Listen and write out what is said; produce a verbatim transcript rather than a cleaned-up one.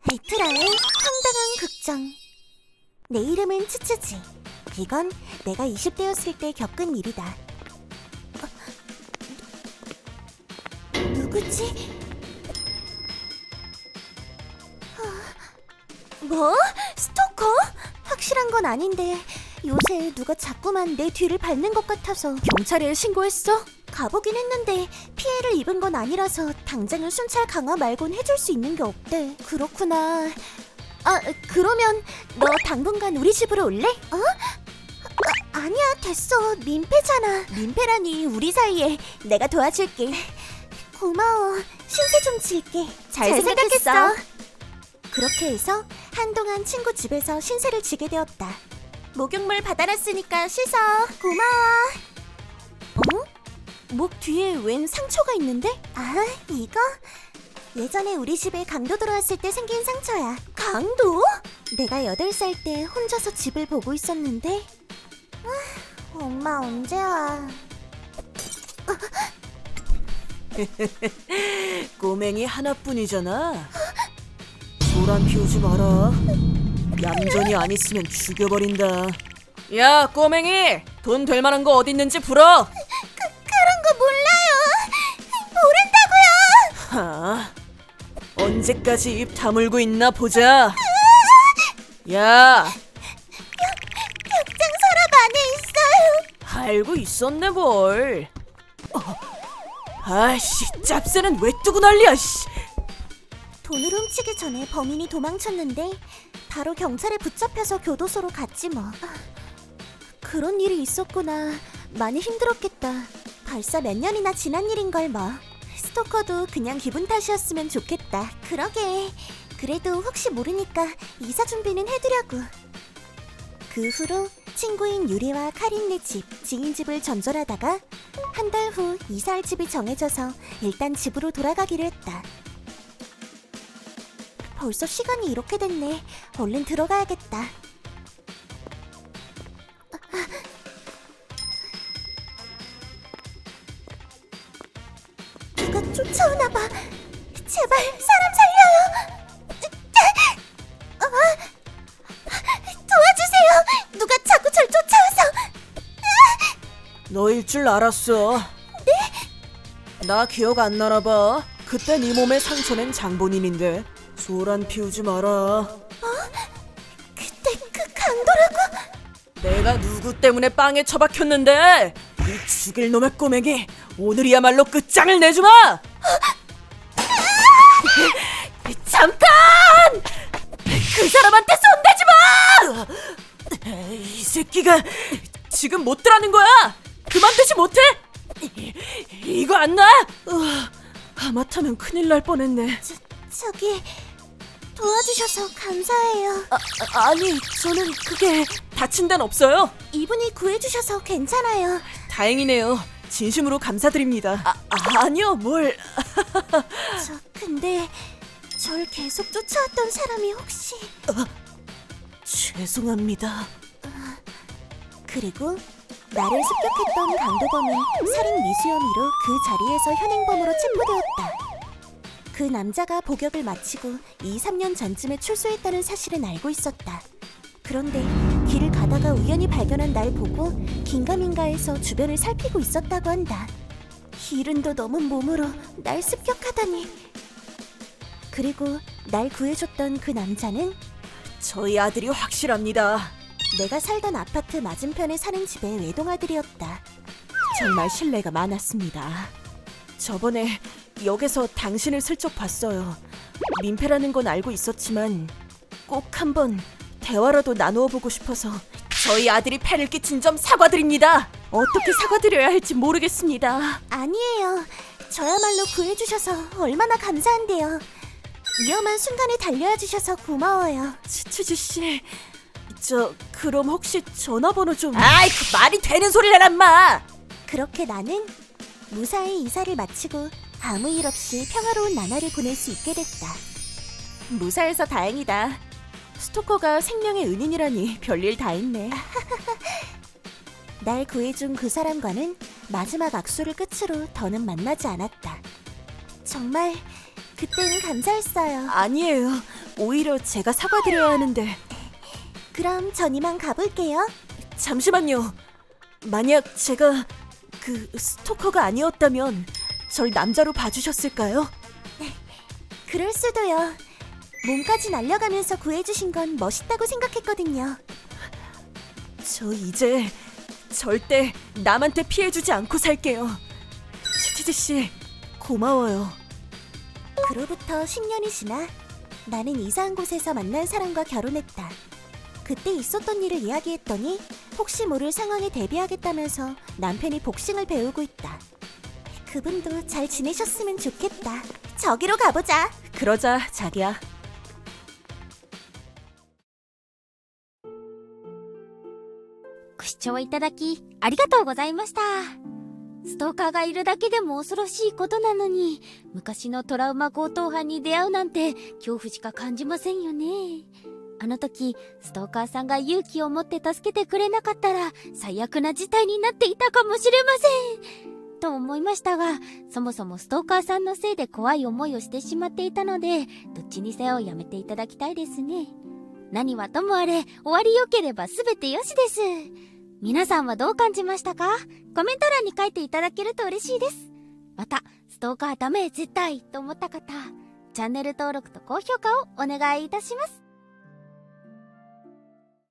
베트라의 황당한 극장. 내 이름은 츠츠지. 이건 내가 이십 대였을 때 겪은 일이다. 어, 누구지? 어, 뭐? 스토커? 확실한 건 아닌데 요새 누가 자꾸만 내 뒤를 밟는 것 같아서 경찰에 신고했어? 가보긴 했는데 피해를 입은 건 아니라서 당장은 순찰 강화 말곤 해줄 수 있는 게 없대. 그렇구나. 아, 그러면 너 당분간 우리 집으로 올래? 어? 아, 아니야, 됐어. 민폐잖아. 민폐라니, 우리 사이에. 내가 도와줄게. 고마워. 신세 좀 질게. 잘, 잘 생각했어. 생각했어. 그렇게 해서 한동안 친구 집에서 신세를 지게 되었다. 목욕물 받아놨으니까 씻어. 고마워. 어? 목 뒤에 웬 상처가 있는데? 아, 이거? 예전에 우리 집에 강도 들어왔을 때 생긴 상처야. 강도? 내가 여덟 살 때 혼자서 집을 보고 있었는데 아, 엄마 언제 와? 꼬맹이 하나뿐이잖아. 소란 피우지 마라. 얌전히 안 있으면 죽여버린다. 야, 꼬맹이! 돈 될 만한 거 어디 있는지 불어! 그런 거 몰라요. 모른다고요. 하, 언제까지 입 다물고 있나 보자. 야, 벽장 서랍 안에 있어요. 알고 있었네 뭘. 어, 아씨, 짭새는 왜 뜨고 난리야. 씨. 돈을 훔치기 전에 범인이 도망쳤는데 바로 경찰에 붙잡혀서 교도소로 갔지 뭐. 아, 그런 일이 있었구나. 많이 힘들었겠다. 벌써 몇 년이나 지난 일인걸 뭐. 스토커도 그냥 기분 탓이었으면 좋겠다. 그러게. 그래도 혹시 모르니까 이사 준비는 해두려고. 그 후로 친구인 유리와 카린네 집, 지인 집을 전전하다가 한 달 후 이사할 집이 정해져서 일단 집으로 돌아가기로 했다. 벌써 시간이 이렇게 됐네. 얼른 들어가야겠다. 누가 쫓아오나 봐. 제발 사람 살려요. 어? 도와주세요. 누가 자꾸 절 쫓아와서. 너일 줄 알았어. 네? 나 기억 안 나나 봐. 그때 네 몸에 상처낸 장본인인데. 소란 피우지 마라. 그때 그 강도라고? 내가 누구 때문에 빵에 처박혔는데. 이 죽일 놈의 꼬맹이, 오늘이야말로 끝장을 내주마. 잠깐! 그 사람한테 손대지 마! 이 새끼가 지금 못 들라는 거야. 그만두지 못해? 이- 이거 안 나? 으아, 하마터면 큰일 날 뻔했네. 저, 저기 도와주셔서 감사해요. 아, 아, 아니, 저는 그게 다친 데는 없어요. 이분이 구해주셔서 괜찮아요. 다행이네요. 진심으로 감사드립니다. 아, 아니요, 뭘. 저 근데 절 계속 쫓아왔던 사람이 혹시... 죄송합니다. 그리고 나를 습격했던 강도범은 살인 미수 혐의로 그 자리에서 현행범으로 체포되었다. 그 남자가 복역을 마치고 이, 삼 년 전쯤에 출소했다는 사실은 알고 있었다. 그런데 길을 가다가 우연히 발견한 날 보고 긴가민가해서 주변을 살피고 있었다고 한다. 이른도 넘은 몸으로 날 습격하다니. 그리고 날 구해줬던 그 남자는 저희 아들이 확실합니다. 내가 살던 아파트 맞은편에 사는 집의 외동아들이었다. 정말 신뢰가 많았습니다. 저번에 역에서 당신을 슬쩍 봤어요. 민폐라는 건 알고 있었지만 꼭 한번 대화라도 나누어 보고 싶어서. 저희 아들이 폐를 끼친 점 사과드립니다. 어떻게 사과드려야 할지 모르겠습니다. 아니에요. 저야말로 구해주셔서 얼마나 감사한데요. 위험한 순간에 달려와 주셔서 고마워요. 치치지 씨, 저 그럼 혹시 전화번호 좀. 아이, 그 말이 되는 소리를 해란 마. 그렇게 나는 무사히 이사를 마치고 아무 일 없이 평화로운 나날을 보낼 수 있게 됐다. 무사해서 다행이다. 스토커가 생명의 은인이라니 별일 다 있네. 날 구해준 그 사람과는 마지막 악수를 끝으로 더는 만나지 않았다. 정말 그때는 감사했어요. 아니에요. 오히려 제가 사과드려야 하는데. 그럼 전 이만 가볼게요. 잠시만요. 만약 제가 그 스토커가 아니었다면 절 남자로 봐주셨을까요? 그럴 수도요. 몸까지 날려가면서 구해주신 건 멋있다고 생각했거든요. 저 이제 절대 남한테 피해주지 않고 살게요. 치치지 씨, 고마워요. 그로부터 십 년이 지나 나는 이사한 곳에서 만난 사람과 결혼했다. 그때 있었던 일을 이야기했더니 혹시 모를 상황에 대비하겠다면서 남편이 복싱을 배우고 있다. 그분도 잘 지내셨으면 좋겠다. 저기로 가보자. 그러자, 자기야. ご視聴いただきありがとうございました。ストーカーがいるだけでも恐ろしいことなのに、昔のトラウマ強盗犯に出会うなんて恐怖しか感じませんよね。あの時ストーカーさんが勇気を持って助けてくれなかったら最悪な事態になっていたかもしれませんと思いましたが、そもそもストーカーさんのせいで怖い思いをしてしまっていたので、どっちにせよやめていただきたいですね。何はともあれ、終わりよければすべてよしです。皆さんはどう感じましたか？コメント欄に書いていただけると嬉しいです。また、ストーカーダメ絶対と思った方、チャンネル登録と高評価をお願いいたします。